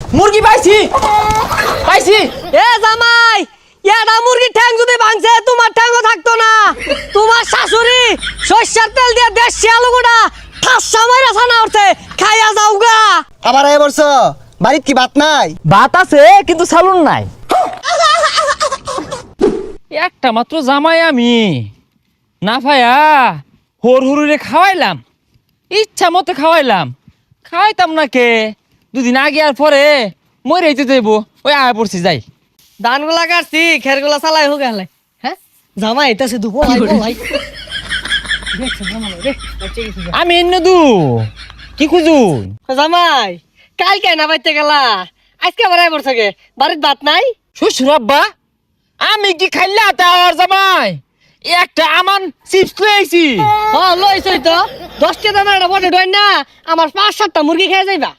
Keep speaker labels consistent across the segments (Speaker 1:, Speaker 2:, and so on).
Speaker 1: মুরগি পাইছি পাইছি।
Speaker 2: এ জামাই, এটা মুরগির ঠ্যাং যদি ভাঙছে তোমার ঠ্যাংও থাকতো না। তোমার শাশুড়ি সরষের তেল দিয়ে দেশি আলুগুড়া ঠাসা মাইরা ছানা উঠছে, খাইয়া যাও গা।
Speaker 3: আবার এ বলছ বাড়িত কি ভাত নাই?
Speaker 1: ভাত আছে কিন্তু সালুন নাই। একটা মাত্র জামাই আমি না পায়া হর হরুরে খাওয়াইলাম, ইচ্ছা মতো খাওয়াইলাম, খাওয়াইতাম না কে দুদিন আগে আর পরে মরে যেতে দেবো। ওই আয় পড়ছি যাই।
Speaker 2: ধানগুলা কাটছি, খেরগুলা চালাই হোক গেলে। হ্যাঁ জামাই এটা সে দুপুর ভাই।
Speaker 1: আমি এনে দু কি খুঁজুন?
Speaker 2: জামাই কালকে না বাইতে গেলা, আজকে আবার আইবর থাকে, বাড়ির ভাত নাই?
Speaker 1: শ্বশুর আব্বা আমি কি খাইলা তার জামাই একটা আমান চিপস লইছি।
Speaker 2: হ্যাঁ লইছই তো, 10টা দানা একটা বটে ডয় না, আমার 5-7টা মুরগি খেয়ে যাইবা।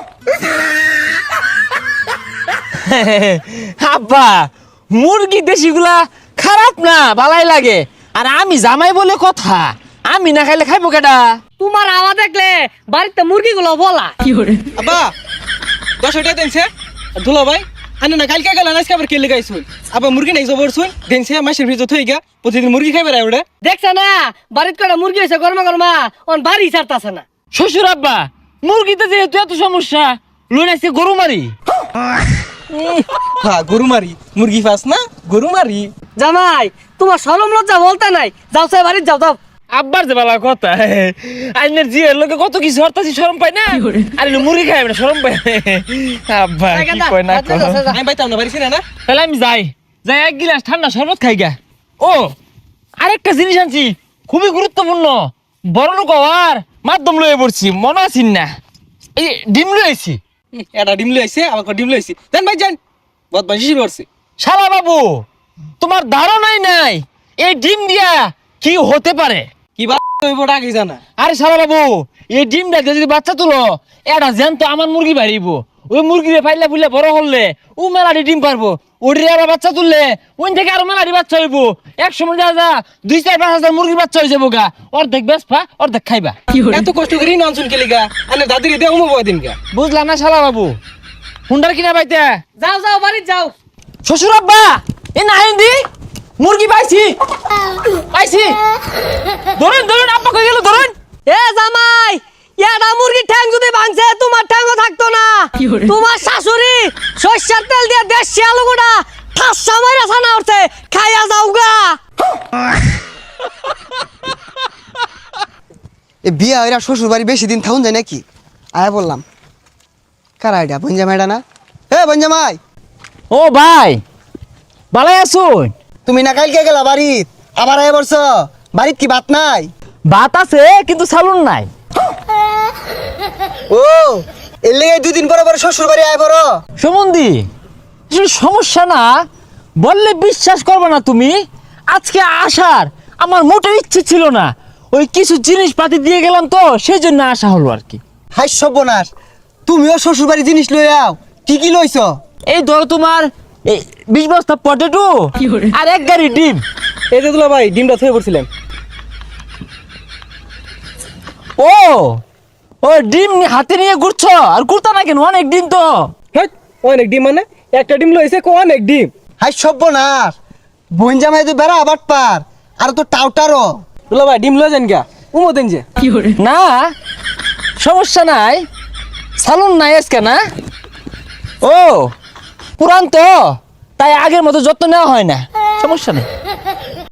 Speaker 1: আব্বা মুরগি দেশিগুলা খারাপ না, ভালাই লাগে। আর আমি জামাই বলে কথা, আমি না খাইলে খাইবো কেডা?
Speaker 2: তোমার আওয়াজ দেখলে বাড়িতে মুরগিগুলো বলা।
Speaker 3: আব্বা 10 টাকা দেনছে দুলা ভাই আনে না কালকে গেল আজকে আবার কেলে গাইছুন আবার মুরগি নাই জবর শুন দেনছে মাসের ভিতর থই গা প্রতিদিন মুরগি খাইবে রে ওড়ে
Speaker 2: দেখছ না বাড়িতে কটা মুরগি হইছে গরমা গরমা, অন বাড়ি ছাড়তাছে না।
Speaker 1: শ্বশুর আব্বা মুরগিতে যেহেতু এত সমস্যা লুনাইছে গরু মারি।
Speaker 3: হ্যাঁ গরু মারি মুরগি ফাস না গরু মারি।
Speaker 2: জামাই তোমার শরম লজ্জা বলতে নাই, যাও সাই বাড়ি যাও যাও।
Speaker 1: আব্বার যে বালা কথা, আইনের জিয়ের লোকে কত কিছু হরতাছি শরম পাই না, আর মুরগি খাইবে না শরম পাই। আব্বা কি কয় না কয়।
Speaker 3: আমি বাইতাম না বাড়ি ছিনা না।
Speaker 1: তাহলে আমি যাই যাই এক গিলাস ঠান্ডা শরবত খাই গা। ও আরেকটা জিনিস আনছি খুবই গুরুত্বপূর্ণ, বড় লোক হওয়ার মাধ্যম লয়ে পড়ছি, মনে আছিস না? এই ডিম লইছি।
Speaker 3: এটা ডিম লইছে আবার ডিম লইছি দেন ভাই যান বহুত বাসি করছে।
Speaker 1: শালা বাবু তোমার ধারণাই নাই এই ডিম দিয়া কি হতে পারে।
Speaker 3: কি বা হইব আগে জানা।
Speaker 1: আরে শালা বাবু এই ডিমটা দিয়ে যদি বাচ্চা তুলো এটা জ্যান্ত আমার মুরগি বাড়িব, ওই মুরগিরে ফাইলে ফুলে বড় হলে ও মেলাটি ডিম পারবো, ওটির আবার বাচ্চা তুললে ওই থেকে আরো মেলাটি বাচ্চা হইব। এক সময় যা যা 2-4-5 হাজার মুরগির বাচ্চা হয়ে যাবো গা, অর্ধেক বেসপা অর্ধেক খাইবা।
Speaker 3: এত কষ্ট করি না অনসুন কেলিগা আনে দাদিরে দেও মো দিন গা।
Speaker 1: বুঝলাম না শালা বাবু হুন্ডার কিনা পাইতে।
Speaker 2: যাও যাও বাড়ি যাও।
Speaker 1: শ্বশুর আব্বা এ নাইন্দি মুরগি পাইছি পাইছি, ধরেন ধরেন আব্বা কই গেল ধরেন।
Speaker 2: এ জামাই এটা মুরগির ঠ্যাং যদি ভাঙছে তোমার ঠ্যাংও থাকতো না। তোমার শাশুড়ি সরষের তেল দিয়ে দেশি আলুগুড়া ঠাসা মাইরা ছানা উঠছে, খাইয়া যাও গা।
Speaker 3: এ বিয়া হইরা শ্বশুর বাড়ি বেশি দিন থাকুন যায় নাকি? আয়া বললাম কারা এটা বঞ্জামাইটা না? এ বঞ্জামাই
Speaker 1: ও ভাই ভালাই আসুন।
Speaker 3: তুমি না কালকে গেলা বাড়িত আবার আয়া বলছ বাড়িত কি ভাত নাই?
Speaker 1: ভাত আছে কিন্তু সালুন নাই।
Speaker 3: ও এর লেগে 2 দিন পরে পরে শ্বশুর বাড়ি আয় বড়
Speaker 1: সুমন্দি আসলে সমস্যা না বললে বিশ্বাস করবে না তুমি, আজকে আসার আমার মোটেও ইচ্ছে ছিল না, ওই কিছু জিনিসপাতি দিয়ে গেলাম তো সেই জন্য আসা হলো আর কি।
Speaker 3: হাই সর্বনাশ, তুমিও শ্বশুর বাড়ি জিনিস লই আও, কি কি লইছ?
Speaker 1: এই ধরো তোমার এই 20 বস্তা পটেটো আর 1 গাড়ি ডিম।
Speaker 3: এই যে দুলা ভাই ডিমটা থয়ে পড়ছিলাম।
Speaker 1: ও ও ডিম হাতে নিয়ে ঘুরছ আর ঘুরতা না কেন? অনেক ডিম তো।
Speaker 3: হ্যাঁ অনেক ডিম মানে একটা ডিম লইছে কো অনেক ডিম। হাই সর্বনাশ, বঞ্জামাই তো বেড়া আবার পার আর তো টাউটারও। দুলা ভাই ডিম লই যান গা উমো দেন যে।
Speaker 1: না সমস্যা নাই, সালুন নাই আজকে না। ও পুরান তো তাই আগের মতো যত্ন নেওয়া হয় না, সমস্যা নেই।